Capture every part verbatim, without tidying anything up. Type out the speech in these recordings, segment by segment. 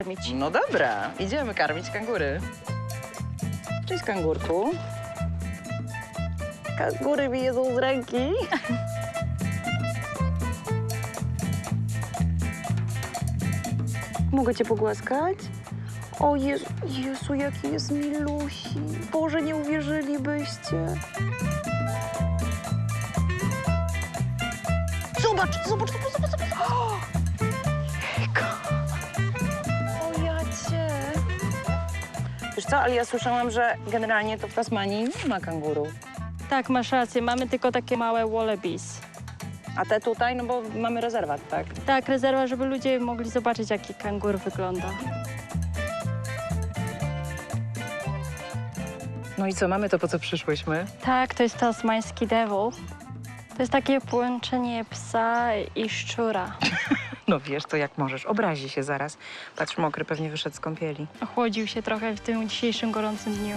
karmić. No dobra, idziemy karmić kangury. Cześć, kangurku. Kangury mi jedzą z ręki. Mogę cię pogłaskać? O Jezu, Jezu, jaki jest milusi. Boże, nie uwierzylibyście. Zobacz, zobacz, zobacz, zobacz, zobacz. O, jejku. O jacie. Wiesz co, ale ja słyszałam, że generalnie to w Tasmanii nie ma kangurów. Tak, masz rację, mamy tylko takie małe wallabies. A te tutaj, no bo mamy rezerwat, tak? Tak, rezerwa, żeby ludzie mogli zobaczyć, jaki kangur wygląda. No i co, mamy to, po co przyszłyśmy? Tak, to jest tasmański devil. To jest takie połączenie psa i szczura. No wiesz, to jak możesz. Obrazi się zaraz. Patrz, mokry pewnie wyszedł z kąpieli. Ochłodził się trochę w tym dzisiejszym gorącym dniu.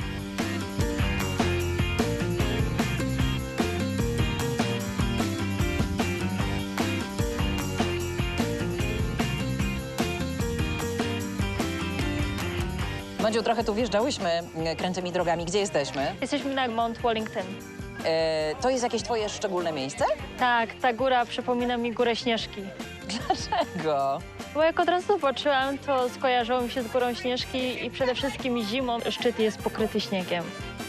Madziu, trochę tu wjeżdżałyśmy krętymi drogami. Gdzie jesteśmy? Jesteśmy na Mount Wellington. E, to jest jakieś twoje szczególne miejsce? Tak, ta góra przypomina mi górę Śnieżki. Dlaczego? Bo jak od razu zobaczyłam, to skojarzyło mi się z górą Śnieżki i przede wszystkim zimą szczyt jest pokryty śniegiem.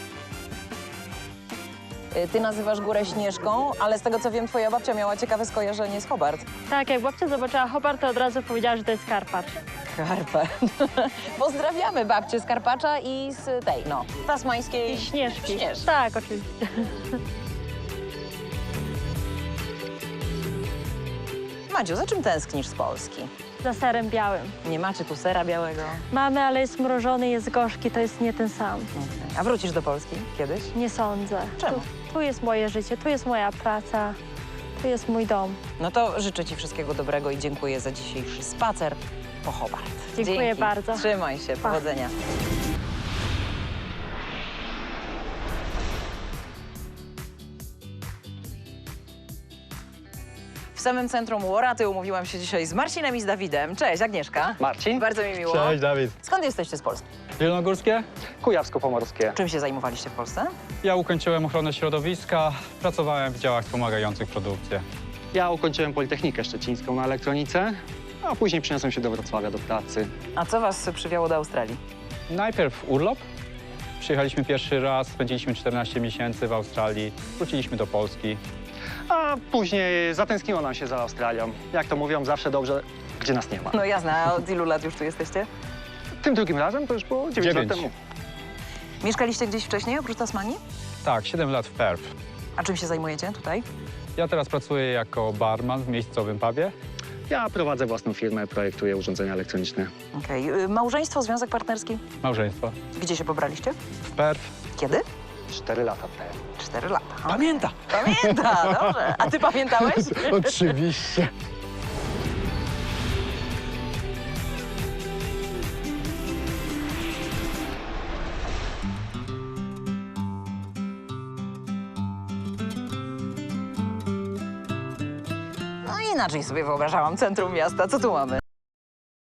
E, ty nazywasz górę Śnieżką, ale z tego co wiem, twoja babcia miała ciekawe skojarzenie z Hobart. Tak, jak babcia zobaczyła Hobart, to od razu powiedziała, że to jest Karpacz. Karpacz. Pozdrawiamy babcię z Karpacza i z tej, no, tasmańskiej I Śnieżki. Śnieżki. Tak, oczywiście. Madziu, za czym tęsknisz z Polski? Za serem białym. Nie macie tu sera białego? Mamy, ale jest mrożony, jest gorzki, to jest nie ten sam. A wrócisz do Polski kiedyś? Nie sądzę. Czemu? Tu, tu jest moje życie, tu jest moja praca, tu jest mój dom. No to życzę ci wszystkiego dobrego i dziękuję za dzisiejszy spacer po Hobart. Dziękuję Dzięki. bardzo. Trzymaj się, Pa. powodzenia. W samym centrum Łoraty umówiłam się dzisiaj z Marcinem i z Dawidem. Cześć, Agnieszka. Marcin. Bardzo mi miło. Cześć, Dawid. Skąd jesteście z Polski? Zielonogórskie? Kujawsko-Pomorskie. Czym się zajmowaliście w Polsce? Ja ukończyłem ochronę środowiska, pracowałem w działach wspomagających produkcję. Ja ukończyłem Politechnikę Szczecińską na elektronice, a później przeniosłem się do Wrocławia do pracy. A co was przywiało do Australii? Najpierw urlop. Przyjechaliśmy pierwszy raz, spędziliśmy czternaście miesięcy w Australii, wróciliśmy do Polski. A później zatęskniło nam się za Australią. Jak to mówią, zawsze dobrze, gdzie nas nie ma. No jasne, a od ilu lat już tu jesteście? Tym drugim razem to już było dziewięć lat Dziewięć. temu. Mieszkaliście gdzieś wcześniej, oprócz Tasmanii? Tak, siedem lat w Perth. A czym się zajmujecie tutaj? Ja teraz pracuję jako barman w miejscowym pubie. Ja prowadzę własną firmę, projektuję urządzenia elektroniczne. Okej. Okay. Małżeństwo, związek partnerski? Małżeństwo. Gdzie się pobraliście? W Perth. Kiedy? Cztery lata temu. Cztery lata. O, Pamięta! pamięta, dobrze. A ty pamiętałeś? Oczywiście. No inaczej sobie wyobrażałam centrum miasta. Co tu mamy?